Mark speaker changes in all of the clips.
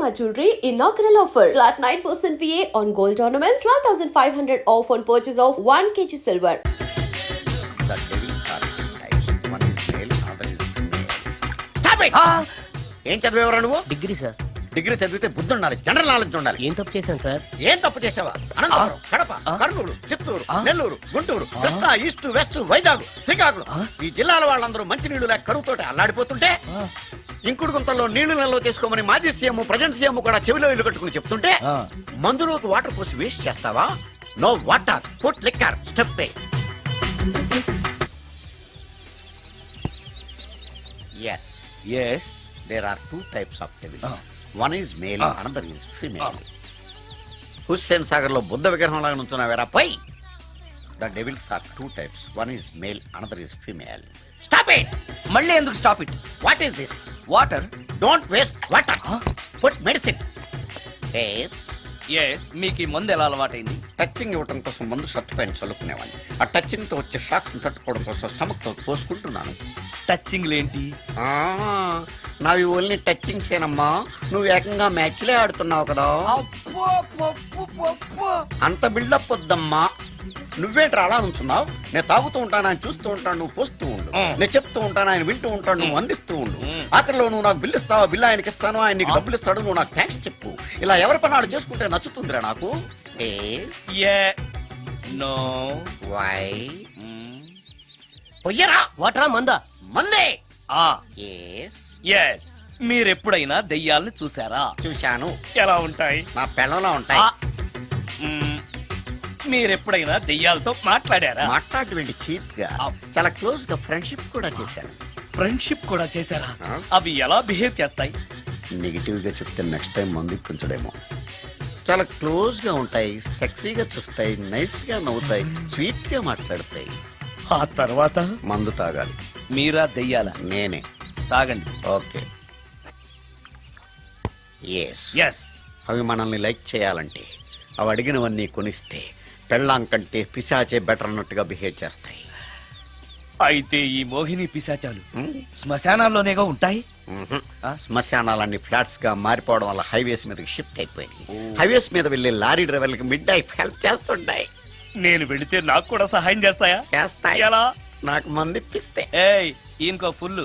Speaker 1: Shalimar Jewelry inaugural offer. Flat 9% VA on gold ornaments, 12,500 off on purchase of 1 kg silver.
Speaker 2: The devils are two types. One is male, other is female. Stop it! ఏం చదివేవరా నువ్వు?
Speaker 3: Degree sir.
Speaker 2: Degree చదివితే బుద్ధి ఉండాలి, general knowledge ఉండాలి.
Speaker 3: ఏం తప్పు చేశాను sir?
Speaker 2: ఏం తప్పు చేసావా? అనంతపురం, కడప, కర్నూలు, చిత్తూరు, నెల్లూరు, గుంటూరు, కృష్ణా, ఈస్ట్, వెస్ట్, వైజాగ్, శ్రీకాకుళం ఈ జిల్లాల వాళ్ళందరూ మంచినీళ్లు లేక కరువుతోటి అల్లాడిపోతుంటే ఇంకుడు గుంతల్లో నీళ్లు నెలలో తీసుకోమని మాజీ సీఎం ప్రెజెంట్ సీఎం కూడా చెవిలో ఇల్లు కట్టుకుని చెప్తుంటే మందులోకి వాటర్ పోసి వేస్ట్ చేస్తావా? No water, food liquor, step పే. Yes.
Speaker 3: Yes.
Speaker 2: There are two types of devils. One is male, another is female. Hussain Sagar లో బుద్ధ విగ్రహం లాగా నుంచున్నావేరా పై. The devils are two types. One is male, another is female. Stop it!
Speaker 3: మళ్ళీ ఎందుకు stop it?
Speaker 2: What is this?
Speaker 3: Water.
Speaker 2: Don't waste water. Put medicine. Yes.
Speaker 3: Yes. మీకు ఈ మందు ఎలా అలవాటైంది?
Speaker 2: టచింగ్ ఇవ్వటం కోసం ముందు షర్ట్ పైన చల్లుకునేవాడిని. ఆ టచింగ్ తో వచ్చే షాక్స్ తట్టుకోవడం కోసం స్టమక్ తో పోసుకుంటున్నాను.
Speaker 3: టచింగ్ లేంటి?
Speaker 2: నావి ఓన్లీ టచింగ్స్ ఏనమ్మా. నువ్వు ఏకంగా మ్యాచ్లే ఆడుతున్నావు కదా. అంత బిల్డప్ వద్దమ్మా. నువ్వేంట్రా అలా ఉంచున్నావు? నేను తాగుతూ ఉంటాను, ఆయన చూస్తూ ఉంటాను, నువ్వు పోస్తూ ఉండు. నేను చెప్తూ ఉంటాను, ఆయన వింటూ ఉంటాడు, నువ్వు అందిస్తూ ఉండు. ఆఖరిలో నువ్వు నాకు బిల్లు ఇస్తావా, బిల్లు ఆయనకి ఇస్తాను, ఆయన నీకు డబ్బులు ఇస్తాడు, నువ్వు నాకు థ్యాంక్స్ చెప్పు. ఇలా ఎవరి పనాడు చేసుకుంటే నచ్చుతుందిరా నాకు.
Speaker 3: నో.
Speaker 2: వై? పొయ్యరా.
Speaker 3: వాటరా మందా?
Speaker 2: మందే.
Speaker 3: ఎస్. మీరెప్పుడైనా దెయ్యాలను చూసారా?
Speaker 2: చూశాను.
Speaker 3: ఎలా ఉంటాయి?
Speaker 2: నా పెళ్ళంలా ఉంటాయి.
Speaker 3: మీరెప్పుడైనా దెయ్యాలతో మాట్లాడారా?
Speaker 2: మాట్లాడేంటి చీప్ గా, చాలా క్లోజ్ గా ఫ్రెండ్షిప్ కూడా చేశాను.
Speaker 3: ఫ్రెండ్షిప్ కూడా చేశారా? అవి ఎలా బిహేవ్ చేస్తాయి?
Speaker 2: నెగిటివ్ గా చెప్తే నెక్స్ట్ టైం మందు ఇప్పించడేమో. చాలా క్లోజ్ గా ఉంటాయి, సెక్సీగా చూస్తాయి, నైస్ గా నవ్వుతాయి, స్వీట్ గా మాట్లాడతాయి.
Speaker 3: ఆ తర్వాత
Speaker 2: మందు తాగాలి.
Speaker 3: మీరా దెయ్యాల?
Speaker 2: నేనే.
Speaker 3: తాగండి.
Speaker 2: ఓకే.
Speaker 3: ఎస్.
Speaker 2: అవి మనల్ని లైక్ చేయాలంటే అవి అడిగినవన్నీ కొనిస్తే పెళ్ళాం కంటే పిశాచే బెటర్ అన్నట్టుగా బిహేవ్ చేస్తాయి.
Speaker 3: అయితే ఈ మోహిని పిశాచాలు శ్మశానాల్లోనేగా ఉంటాయి?
Speaker 2: శ్మశానాలన్నీ ఫ్లాట్స్ గా మారిపోవడం వల్ల హైవేస్ మీదకి షిఫ్ట్ అయిపోయింది. హైవేస్ మీద వెళ్లే లారీ డ్రైవర్లకి మిడ్ నైట్ హెల్ప్ చేస్తుంటాయి.
Speaker 3: నేను వెళితే నాకు కూడా సహాయం చేస్తాయా?
Speaker 2: చేస్తాయి.
Speaker 3: ఎలా?
Speaker 2: నాకు మంది ఇప్పిస్తే.
Speaker 3: ఇంకో ఫుల్.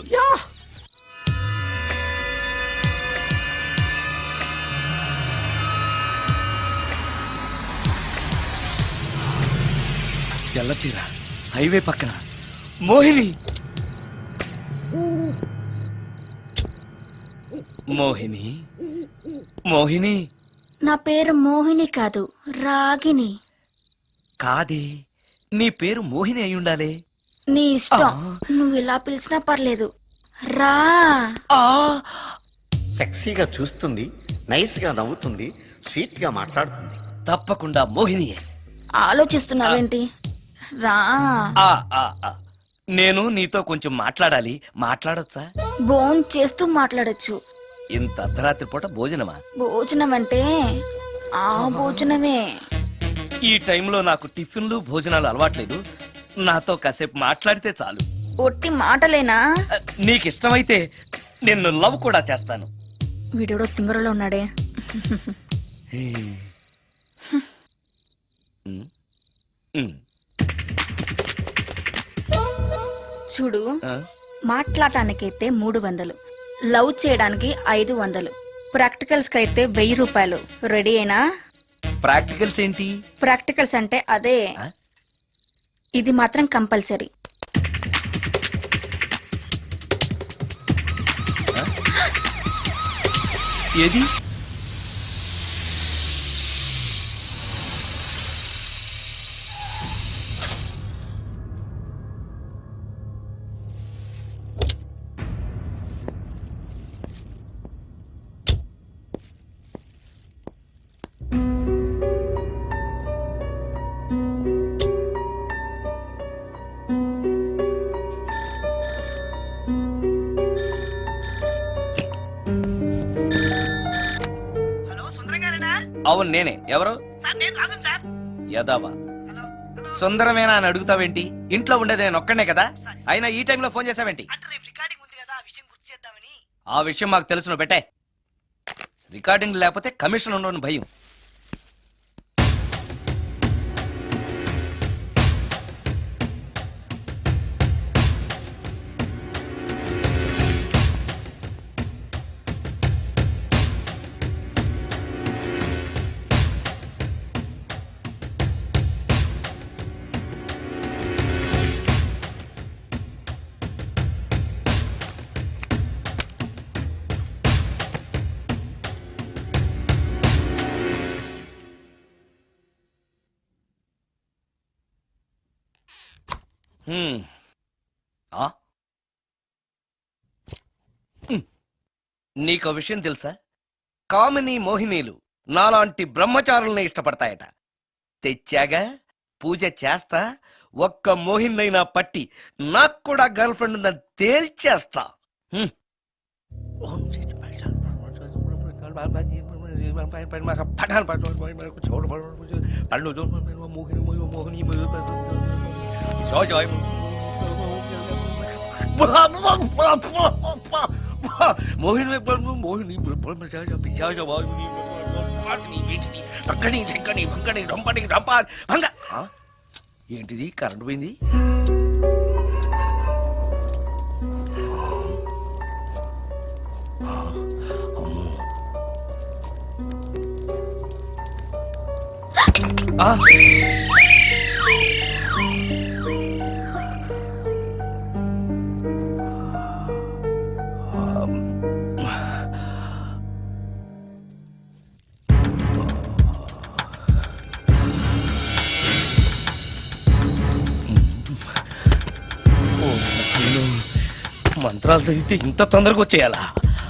Speaker 3: ఎల్లచీర హైవే పక్కన మోహిని. మోహిని, మోహిని.
Speaker 4: నా పేరు మోహిని కాదు, రాగిని.
Speaker 3: కాదే, నీ పేరు మోహిని అయి ఉండాలే.
Speaker 4: నీ ఇష్టం, నువ్వు ఇలా పిలిచినా పర్లేదు. రా.
Speaker 2: సెక్సీగా చూస్తుంది, నైస్ గా నవ్వుతుంది, స్వీట్ గా మాట్లాడుతుంది.
Speaker 3: తప్పకుండా మోహినియే.
Speaker 4: ఆలోచిస్తున్నావేంటి? రా.
Speaker 3: నేను నీతో కొంచెం మాట్లాడాలి. మాట్లాడొచ్చా?
Speaker 4: భోజనం చేస్తూ మాట్లాడొచ్చు.
Speaker 3: ఇంత అర్ధరాత్రి పూట భోజనమా?
Speaker 4: భోజనం అంటే ఆ భోజనమే.
Speaker 3: ఈ టైంలో నాకు టిఫిన్లు భోజనాలు అలవాట్లేదు. నాతో కాసేపు మాట్లాడితే చాలు.
Speaker 4: ఒట్టి మాటలేనా?
Speaker 3: నీకిష్టమైతే నిన్ను లవ్ కూడా చేస్తాను.
Speaker 4: వీడెవడో తింగరలో ఉన్నాడే. చూడు, మాట్లాడటానికైతే 300, లవ్ చేయడానికి 500, ప్రాక్టికల్స్ కైతే 1000 రూపాయలు. రెడీ అయినా?
Speaker 3: ప్రాక్టికల్స్ ఏంటి?
Speaker 4: ప్రాక్టికల్స్ అంటే అదే. ఇది మాత్రం కంపల్సరీ.
Speaker 3: ఏది? అవును నేనే. ఎవరు? యదావా సుందరమేనా అని అడుగుతావేంటి? ఇంట్లో ఉండేది నేను ఒక్కనే కదా. అయినా ఈ టైంలో ఫోన్ చేసావేంటి? ఆ విషయం మాకు తెలుసు. పెట్టే. రికార్డింగ్ లేకపోతే కమిషన్ ఉండని భయం. ఆ? నీకో విషయం తెలుసా? కామిని మోహినీలు నాలాంటి బ్రహ్మచారుల్ని ఇష్టపడతాయట. తెచ్చాగా, పూజ చేస్తా, ఒక్క మోహిన్నైనా పట్టి నాకు కూడా గర్ల్ ఫ్రెండ్ ఉందని తేల్చేస్తా. హ్మ్. మోహిని మోహిని ఏంటిది? కరెంట్ పోయింది. మంత్రాలు చదివితే ఇంత తొందరగా వచ్చేయాలా?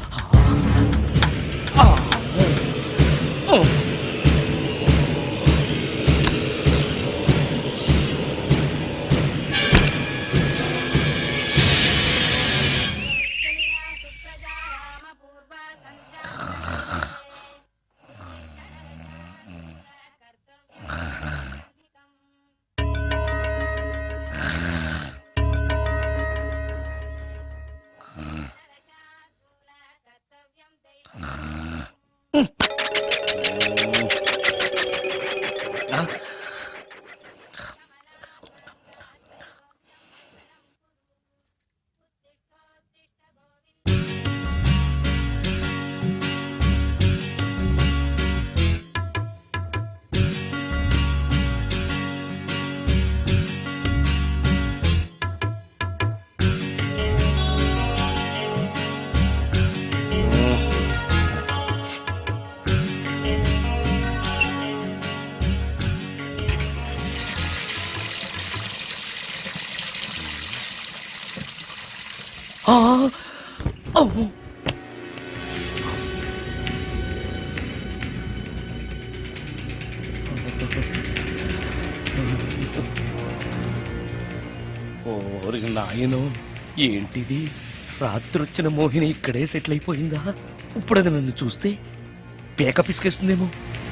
Speaker 3: నాయనో, ఏంటిది? రాత్రొచ్చిన మోహిని ఇక్కడే సెటిల్ అయిపోయిందా? ఇప్పుడు అది నన్ను చూస్తే పేక పిసికేస్తుందేమో.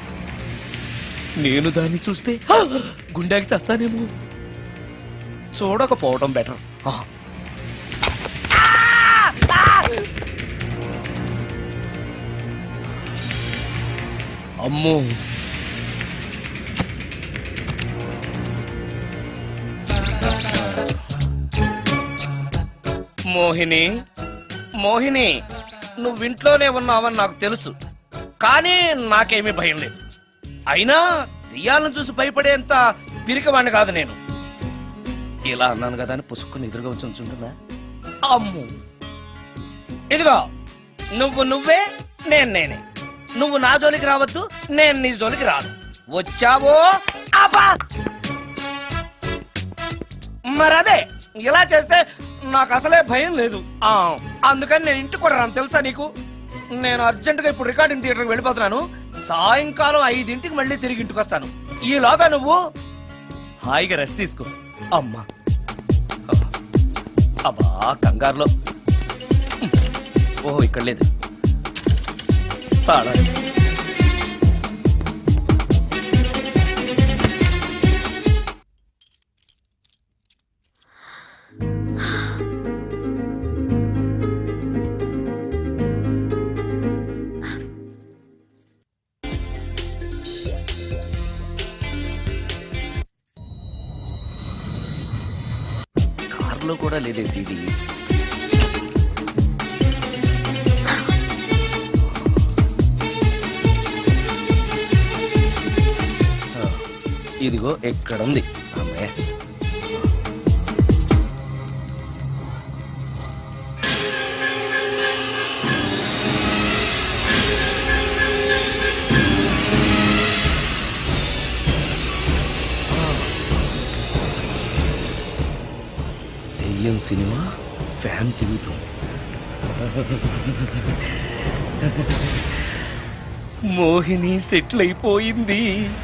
Speaker 3: నేను దాన్ని చూస్తే గుండెకి చేస్తానేమో. చూడకపోవడం బెటర్. అమ్మో, మోహిని మోహిని, నువ్వింట్లోనే ఉన్నావని నాకు తెలుసు, కానీ నాకేమీ భయం లేదు. అయినా దెయ్యాలను చూసి భయపడేంత పిరికివాణ్ణి కాదు నేను. ఇలా అన్నాను కదా అని పుసుక్కుని ఎదురుగా వచ్చి ఉంచుంటుందా? అమ్ము, ఇదిగో నువ్వే, నేనే. నువ్వు నా జోలికి రావద్దు, నేను నీ జోలికి రాను. వచ్చావో అబ్బా! మరదే, ఇలా చేస్తే నాకు అసలే భయం లేదు. అందుకని నేను ఇంటికి కూడా రాను, తెలుసా నీకు? నేను అర్జెంటుగా ఇప్పుడు రికార్డింగ్ థియేటర్కి వెళ్ళిపోతున్నాను. సాయంకాలం 5ంటికి మళ్ళీ తిరిగి ఇంటికి వస్తాను. ఈలోగా నువ్వు హాయిగా రెస్ట్ తీసుకో. అమ్మా, అబ్బా, కంగారులో. ఓహో, ఇక్కడ లేదు. తాళాలి. లో కూడా లేదే సీడీ. ఇదిగో ఎక్కడుంది ఆమె. దెయ్యం సినిమా ఫ్యాన్ తిరుగుతుంది. మోహిని సెటిల్ అయిపోయింది.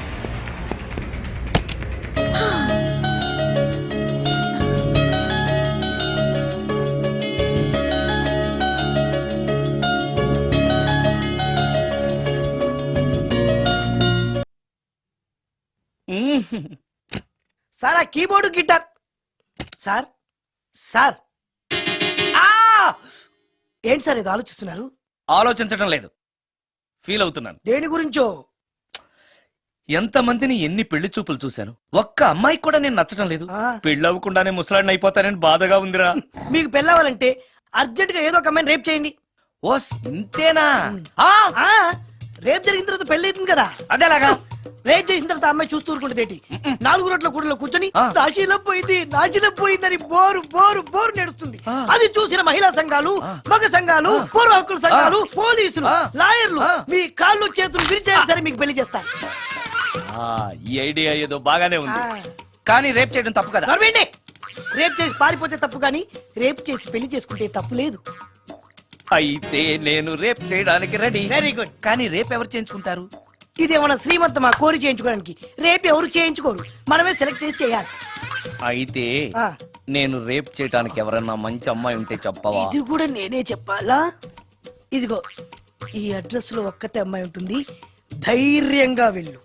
Speaker 5: సార్ ఆ కీబోర్డు గిటార్ సార్ సార్ ఆ! ఏంటి సార్ ఇది ఆలోచిస్తున్నారు?
Speaker 3: ఆలోచించడం లేదు, ఫీల్ అవుతున్నాను.
Speaker 5: దేని గురించో?
Speaker 3: ఎంతమందిని ఎన్ని పెళ్లి చూపులు చూశాను, ఒక్క అమ్మాయి కూడా నేను నచ్చడం లేదు.
Speaker 5: ఆ.
Speaker 3: పెళ్లి అవ్వకుండానే ముసలాడిని అయిపోతానని బాధగా ఉందిరా.
Speaker 5: మీకు పెళ్ళవాలంటే అర్జెంట్ గా ఏదో ఒక అమ్మాయిని రేప్ చేయండి.
Speaker 3: ఓస్ ఇంతేనా? ఆ!
Speaker 5: ఆ రేప్ జరిగిన తర్వాత పెళ్లి అవుతుంది కదా,
Speaker 3: అదేలాగా.
Speaker 5: రేప్ చేసిన తర్వాత అమ్మాయి చూస్తూ ఊరుకుంటుంది. 4 రోడ్ల కూడలో కూర్చొని
Speaker 3: ఆ.
Speaker 5: నాశీలం పోయిందని బోరు బోరు బోరు నేడుస్తుంది.
Speaker 3: ఆ.
Speaker 5: అది చూసిన మహిళా సంఘాలు,
Speaker 3: ఆ.
Speaker 5: మగ సంఘాలు, పౌర హక్కుల సంఘాలు, పోలీసులు,
Speaker 3: ఆ.
Speaker 5: లాయర్లు
Speaker 3: ఆ.
Speaker 5: మీ కాళ్ళు చేతులు విరిచేయాలి సరే మీకు పెళ్లి చేస్తారు.
Speaker 3: ఆ, ఈ ఐడియా ఏదో బాగానే ఉంది,
Speaker 5: ఆ.
Speaker 3: కానీ రేప్ చేయడం తప్పు కదా.
Speaker 5: నడవండి. రేప్ చేసి పారిపోతే తప్పు కానీ రేప్ చేసి పెళ్లి చేసుకుంటే తప్పు లేదు.
Speaker 3: అయితే నేను రేప్ చేయడానికి రెడీ.
Speaker 5: Very good.
Speaker 3: కానీ రేప్ ఎవరు చేయించుకుంటారు?
Speaker 5: ఇదేమన్నా శ్రీమంతమా కోరి చేయించుకోవడానికి? రేపు ఎవరు చేయించుకోరు, మనమే సెలెక్ట్ చేసి చేయాలి.
Speaker 3: అయితే
Speaker 5: ఆ.
Speaker 3: నేను రేప్ చేయడానికి ఎవరన్నా మంచి అమ్మాయి ఉంటే చెప్పవా?
Speaker 5: ఇది కూడా నేనే చెప్పాలా? ఇదిగో ఈ అడ్రస్ లో ఒక్కతే అమ్మాయి ఉంటుంది, ధైర్యంగా వెళ్ళు.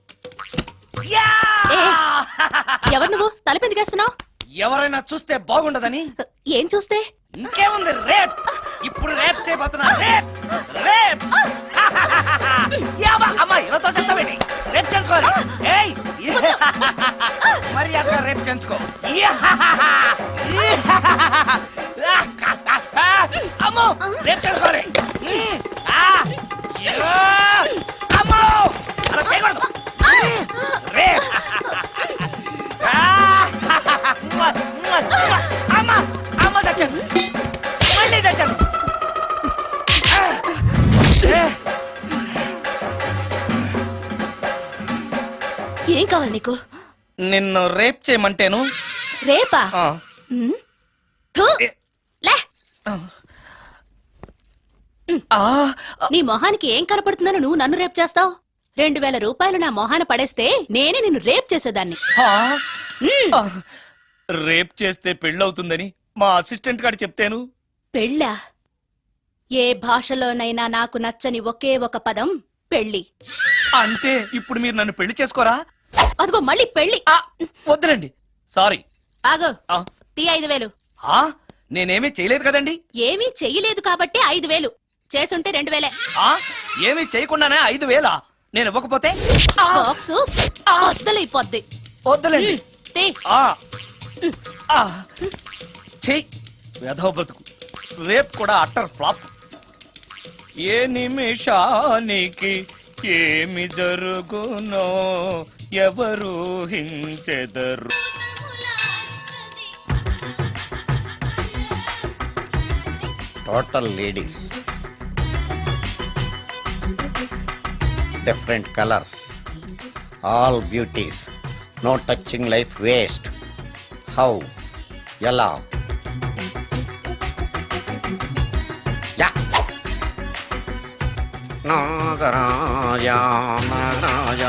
Speaker 6: ఎవరు నువ్వు తలపెందుకేస్తున్నావు?
Speaker 3: ఎవరైనా చూస్తే బాగుండదని.
Speaker 6: ఏం చూస్తే?
Speaker 3: ఇంకేముంది, రేప్. ఇప్పుడు రేప్ చేయబోతున్నా. రేప్ రేప్ యావా, అమ్మాయి ఇలా తోసేస్తావేంటి? రేప్ చేసుకోవాలి. ఏయ్ మరి అక్కడ రేప్ చేసుకో. అమ్మో రేప్ చేసుకోవాలి. అమ్మో అలా చేయకూడదు. రేప్ అమ్మ అమ్మ చచ్చాను, మళ్ళీ చచ్చాను.
Speaker 6: ఏం కావాలి నీకు?
Speaker 3: నిన్ను రేప్ చేయమంటేను.
Speaker 6: రేపా?
Speaker 3: ఆ,
Speaker 6: ఉమ్. థు. లే,
Speaker 3: ఆ,
Speaker 6: నీ మొహానికి ఏం కనపడుతుందని నువ్వు నన్ను రేప్ చేస్తావు? 2000 రూపాయలు నా మొహాన పడేస్తే నేనే నిన్ను రేప్ చేసేదాన్ని.
Speaker 3: ఆ,
Speaker 6: ఉమ్.
Speaker 3: ఆ. రేప్ చేస్తే పెళ్ళవుతుందని మా అసిస్టెంట్ గారు చెప్తేను.
Speaker 6: పెళ్ళా? ఏ భాషలోనైనా నాకు నచ్చని ఒకే ఒక పదం పెళ్లి.
Speaker 3: అంటే ఇప్పుడు మీరు నన్ను పెళ్లి చేసుకోరా?
Speaker 6: అదిగో మళ్ళీ పెళ్లి.
Speaker 3: ఆ, వద్దులండి, సారీ.
Speaker 6: ఆగో,
Speaker 3: ఆ,
Speaker 6: తీ 5000.
Speaker 3: ఆ, నేనేమీ చేయలేదు కదండి.
Speaker 6: ఏమీ చెయ్యలేదు కాబట్టి 5000, చేసుంటే 2000.
Speaker 3: ఆ, ఏమీ చేయకుండానే 5000 నేను ఇవ్వకపోతే?
Speaker 6: బాక్సు వద్దలైపోద్ది.
Speaker 3: వద్దులండి.
Speaker 6: తీ.
Speaker 3: ఆ, ఆ, చెయ్ వెధవ బతుకు. రేప్ కూడా అట్టర్ ఫ్లాప్. ఏ నిమిషానికి ఏమి జరుగునో ఎవరు హించెదరు.
Speaker 2: Total ladies, different colours, all beauties, no touching life waste. How, ఎలా? యా. నాగరాజ నాగరాజ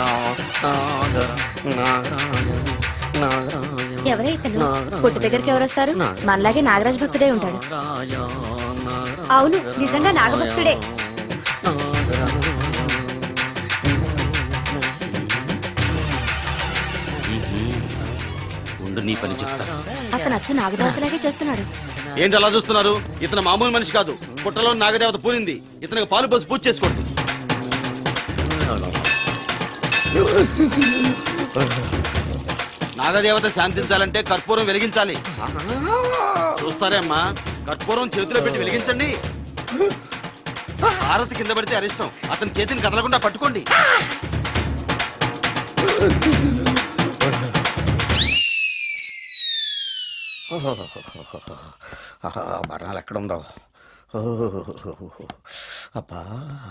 Speaker 2: నాగరాజ నాగరాజ.
Speaker 7: ఎవరైతను పుట్టు దగ్గరికి ఎవరు వస్తారు? మనలాగే నాగరాజ్ భక్తుడే ఉంటాడు. అవును, నిజంగా నాగభక్తుడే.
Speaker 8: ఉండు నీ పని చెప్తా.
Speaker 7: అతను అచ్చు నాగదేవతలాగే చేస్తున్నాడు.
Speaker 8: ఏంటి అలా చూస్తున్నారు? ఇతను మామూలు మనిషి కాదు. పుట్టలో నాగదేవత పూరింది. ఇతనికి పాలు పోసి పూజ చేసుకోండి. నాగదేవత శాంతించాలంటే కర్పూరం వెలిగించాలి. చూస్తారే అమ్మా, కర్పూరం చేతిలో పెట్టి వెలిగించండి. భారత్ కింద పడితే అరిష్టం. అతని చేతిని కదలకుండా పట్టుకోండి.
Speaker 2: మరణాలు ఎక్కడుందో. అబ్బా,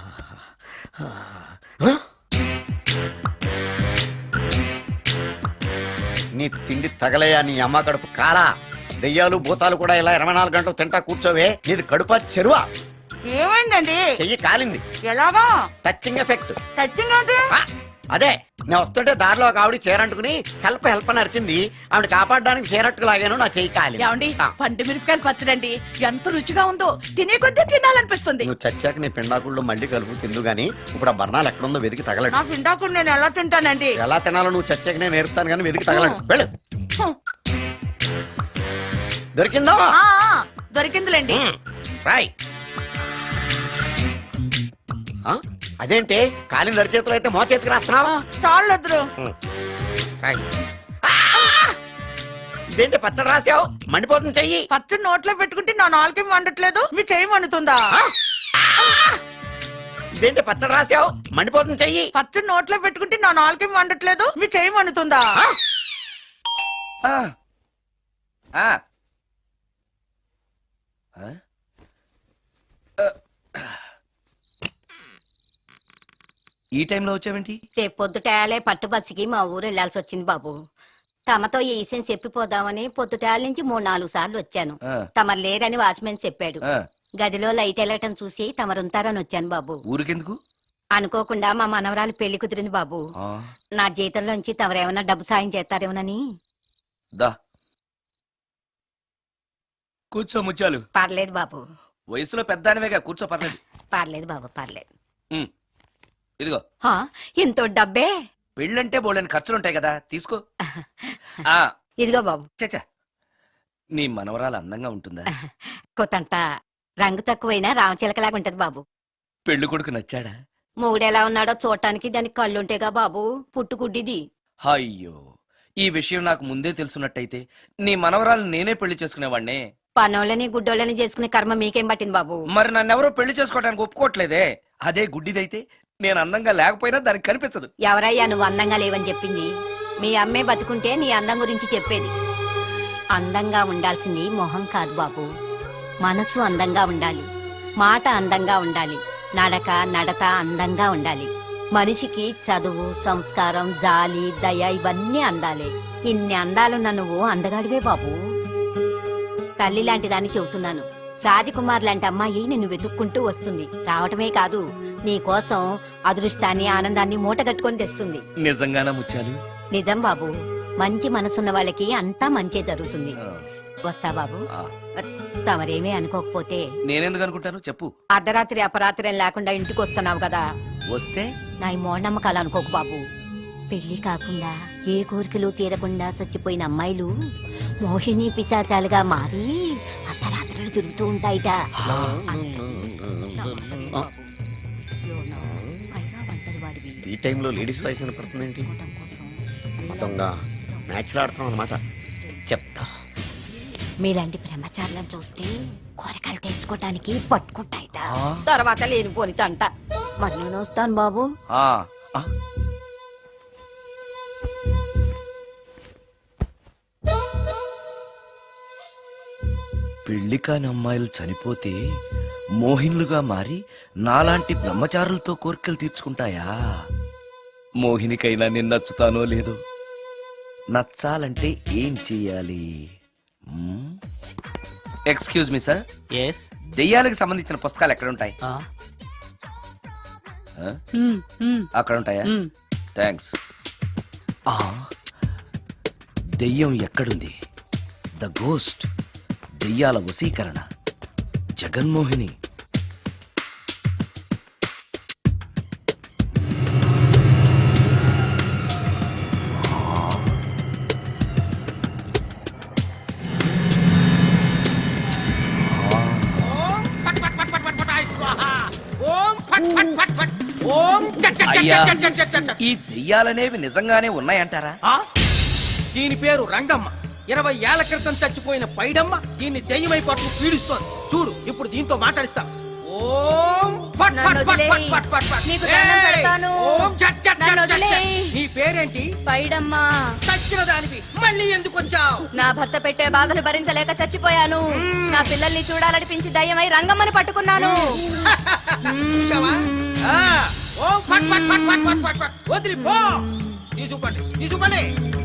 Speaker 2: నీ తిండి తగలయా నీ అమ్మ కడుపు కాలా. దెయ్యాలు భూతాలు కూడా ఇలా 24 గంటలు తింటా కూర్చోవే. నీది కడుపా చెరువా?
Speaker 5: ఏమైందండి?
Speaker 2: చెయ్యి కాలింది.
Speaker 5: ఎలాగా?
Speaker 2: Touching effect.
Speaker 5: టచింగ్ అంటే?
Speaker 2: అదే, నేను వస్తుంటే దారిలో ఒక ఆవిడ చీరంటుకుని హెల్ప్ అని అరిచింది. ఆవిడ కాపాడడానికి చీరట్టుకు లాగాను, నా చెయ్యి కాలి.
Speaker 5: ఏమండి, పండు మిరపకాయలు పచ్చడండి ఎంత రుచిగా ఉందో, తినే కొద్దీ తినాలనిపిస్తుంది.
Speaker 2: నువ్వు చచ్చాక నీ పిండాకుళ్ళు మళ్ళీ కలుపు తిందు గానీ ఇప్పుడు ఆ బర్ణాలు ఎక్కడుందో వెతికి తగలడు.
Speaker 5: నా పిండాకుడు నేను ఎలా తింటానండి?
Speaker 2: ఎలా తినాలో నువ్వు చచ్చాక నేను నేర్పుతాను కానీ వెతికి తగలడు. వెళ్ళు. దొరికిందో?
Speaker 5: ఆ, దొరికిందిలేండి.
Speaker 2: రాయ్. అదేంటి కాలింది అరిచేతులు అయితే మో చేతికి రాస్తున్నావు?
Speaker 5: చాలొద్దురు.
Speaker 2: రాయ్. ఇదేంటి పచ్చడి రాసావు? మండిపోతుంది చెయ్యి.
Speaker 5: పచ్చడి నోట్లో పెట్టుకుంటే నా నాలుగు వండట్లేదు, మీ చెయ్యి వండుతుందా?
Speaker 2: ఇదేంటి పచ్చడి రాసావు? మండిపోతుంది చెయ్యి.
Speaker 5: పచ్చడి నోట్లో పెట్టుకుంటే నా నాలుగు వండట్లేదు, మీ చెయ్యి వండుతుందా?
Speaker 3: ఆ. ఆ. ఆ? ఈ టైంలో వచ్చావేంటి?
Speaker 7: రేపు పొద్దుటాలే పట్టుబస్సుకి మా ఊరు వెళ్లాల్సి వచ్చింది బాబు. తమతో ఈ విషయం చెప్పిపోదామని పొద్దుటాల నుంచి 3-4 సార్లు వచ్చాను.
Speaker 3: ఆ.
Speaker 7: తమరు లేరని వాచ్మెన్ చెప్పాడు.
Speaker 3: ఆ.
Speaker 7: గదిలో లైట్ వెళ్ళటం చూసి తమరుంటారని వచ్చాను బాబు.
Speaker 3: ఊరికెందుకు?
Speaker 7: అనుకోకుండా మా మనవరాలు పెళ్లి కుదిరింది బాబు.
Speaker 3: ఆ.
Speaker 7: నా జీతంలోంచి తమరేమన్నా డబ్బు సాయం చేస్తారేమోనని.
Speaker 3: దా కూర్చో ముత్యాలు.
Speaker 7: పర్లేదు బాబు,
Speaker 3: వయసులో పెద్దానివేగా, కూర్చో, పర్లేదు.
Speaker 7: పర్లేదు బాబు, పర్లేదు.
Speaker 3: ఇదిగో
Speaker 7: హా, ఇంతో డబ్బే.
Speaker 3: పెళ్ళంటే బోళ్ళని ఖర్చులుంటాయి కదా, తీసుకో. ఆ.
Speaker 7: ఇదిగో బాబు.
Speaker 3: చచ్చా, నీ మనవరాలు అందంగా ఉంటుందా?
Speaker 7: కొత్తంత రంగు తక్కువైనా రామచిలకలాగా ఉంటది బాబు.
Speaker 3: పెళ్లి కొడుకు నచ్చాడా?
Speaker 7: మూడెలా ఉన్నాడో చూడటానికి దానికి కళ్ళుంటేగా బాబు, పుట్టుకుడ్డిది.
Speaker 3: అయ్యో, ఈ విషయం నాకు ముందే తెలుసున్నట్టయితే నీ మనవరాలు నేనే పెళ్లి చేసుకునేవాడినే.
Speaker 7: పనోళ్ళని గుడ్డోళ్ళని చేసుకునే కర్మ మీకేం పట్టింది బాబు?
Speaker 3: మరి నన్నెవరో పెళ్లి చేసుకోవడానికి ఒప్పుకోవట్లేదే. అదే గుడ్డిదైతే నేను అందంగా లేకపోయినా దానికి కనిపించదు.
Speaker 7: ఎవరయ్యా నువ్వు అందంగా లేవని చెప్పింది? మీ అమ్మే బతుకుంటే నీ అందం గురించి చెప్పేది. అందంగా ఉండాల్సింది మొహం కాదు బాబు, మనసు అందంగా ఉండాలి, మాట అందంగా ఉండాలి, నడత అందంగా ఉండాలి. మనిషికి చదువు, సంస్కారం, జాలి, దయ ఇవన్నీ అందాలే. ఇన్ని అందాలున్న నువ్వు అందగాడివే బాబు. తల్లి లాంటి దాన్ని చెబుతున్నాను. రాజకుమార్ లాంటి అమ్మాయి నిన్ను వెతుక్కుంటూ వస్తుంది. రావటమే కాదు, నీ కోసం అదృష్టాన్ని, ఆనందాన్ని మూటగట్టుకొని తెస్తుంది.
Speaker 3: నిజంగానా ముత్యాలు?
Speaker 7: నిజం బాబు, మంచి మనసున్న వాళ్ళకి అంతా మంచే జరుగుతుంది.
Speaker 3: ఆ.
Speaker 7: వస్తా బాబు.
Speaker 3: ఆ.
Speaker 7: తమరేమీ అనుకోకపోతే.
Speaker 3: నేనెందుకు అనుకుంటాను చెప్పు.
Speaker 7: అర్ధరాత్రి అపరాత్రి లేకుండా ఇంటికి వస్తున్నావు కదా,
Speaker 3: వస్తే
Speaker 7: నా ఈ మూఢనమ్మకాలు అనుకోకు బాబు. పెళ్లి కాకుండా ఏ కోరికలు తీరకుండా చచ్చిపోయిన అమ్మాయిలు మోహిని పిశాచాలుగా మారి అర్ధరాత్రులు తిరుగుతూ ఉంటాయిట.
Speaker 2: ఈ టైంలో లేడీస్ వాయిస్ వినపడుతుంది ఏంటి? మొత్తంగా మ్యాచ్లు ఆడుతున్నాం అనమాట. చెప్తా.
Speaker 7: మీలాంటి బ్రహ్మచారులను చూస్తే కోరికలు తెచ్చుకోవటానికి పట్టుకుంటాయిట.
Speaker 3: ఆ.
Speaker 7: తర్వాత లేనిపోని తంట. మరి నేను వస్తాను బాబు.
Speaker 3: ఆ. ఆ. పెళ్లి కాని అమ్మాయిలు చనిపోతే మోహినులుగా మారి నాలాంటి బ్రహ్మచారులతో కోరికలు తీర్చుకుంటాయా? మోహినికైనా నేను నచ్చుతానో లేదో. నచ్చాలంటే ఏం చెయ్యాలి? Excuse me sir.
Speaker 9: ఎస్.
Speaker 3: దెయ్యాలకు సంబంధించిన పుస్తకాలు ఎక్కడ ఉంటాయి? అక్కడ ఉంటాయా? థ్యాంక్స్. దెయ్యం ఎక్కడుంది? ద గోస్ట్, దెయ్యాల వశీకరణ, జగన్మోహిని. అయ్యా, ఈ దెయ్యాలనేవి నిజంగానే ఉన్నాయంటారా?
Speaker 9: దీని పేరు రంగమ్మ. 20 ఏళ్ల క్రితం చచ్చిపోయిన పైడమ్మ దీన్ని దెయ్యమై పట్టు పీడిస్తోంది. చూడు ఇప్పుడు దీంతో మాట్లాడిస్తాం. ఓం ఫట్ ఫట్ ఫట్ ఫట్ ఫట్ ఫట్ ఫట్.
Speaker 4: నీకు దండం పెడతాను.
Speaker 9: ఓం చట్ చట్
Speaker 4: నన్ను
Speaker 9: చట్ చట్.
Speaker 4: వదిలేయ్.
Speaker 9: నీ పేరేంటి?
Speaker 4: పైడమ్మా,
Speaker 9: చచ్చిన దానివి మళ్ళీ ఎందుకు వచ్చావు?
Speaker 4: నా భర్త పెట్టే బాధలు భరించలేక చచ్చిపోయాను. నా పిల్లల్ని చూడాలనిపించి దయ్యమై రంగమ్మని పట్టుకున్నాను.
Speaker 9: చూసావా? ఆ, ఓం ఫట్ ఫట్ ఫట్ ఫట్ ఫట్ ఫట్ ఫట్. వదిలి పో. తీసుకోండి తీసుకోండి.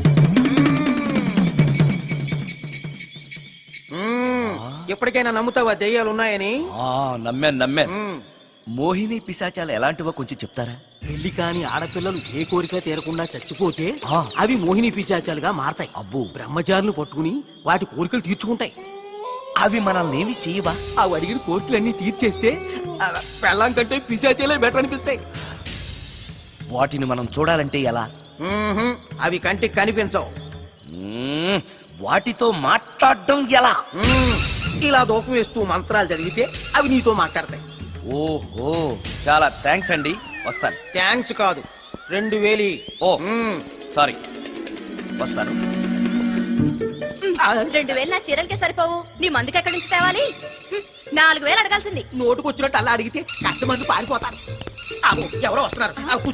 Speaker 9: ఎప్పటికైనా నమ్ముతావా దెయ్యాలు ఉన్నాయని?
Speaker 3: నమ్మాను
Speaker 9: మ్మ్.
Speaker 3: మోహిని పిశాచాలు ఎలాంటివో కొంచెం చెప్తారా?
Speaker 5: పెళ్లి కాని ఆడపిల్లలు ఏ కోరిక తీరకుండా చచ్చిపోతే అవి మోహిని పిశాచాలుగా మారతాయి.
Speaker 3: అబ్బో.
Speaker 5: బ్రహ్మచారులు పట్టుకుని వాటి కోరికలు తీర్చుకుంటాయి.
Speaker 3: అవి మనల్ని ఏమి చేయవా?
Speaker 5: అవి అడిగిన కోరికలన్నీ తీర్చేస్తే పెళ్ళం కంటే పిశాచాలే బెటర్ అనిపిస్తాయి.
Speaker 3: వాటిని మనం చూడాలంటే ఎలా?
Speaker 9: మ్మ్హ్మ్. అవి కంటికి కనిపించవు.
Speaker 3: మ్మ్, వాటితో మాట్లాడడం ఎలా?
Speaker 9: మ్మ్. ఇలా దూపం వేస్తూ మంత్రాలు చదివితే అవి నీతో మాట్లాడతాయి.
Speaker 3: ఓహో, చాలా థ్యాంక్స్ అండి, వస్తాను.
Speaker 9: థ్యాంక్స్ కాదు, 2000.
Speaker 3: ఓ
Speaker 9: మ్మ్.
Speaker 3: సారీ, వస్తాను.
Speaker 4: 2000 నా చీరలకే సరిపోవు. నీ మందుకి ఎక్కడి నుంచి తేవాలి? 4000 అడగాల్సింది.
Speaker 9: నోటుకొచ్చినట్టు అలా అడిగితే కస్టమర్లు పారిపోతారు. అబ్బో, ఎవరో వస్తున్నారు.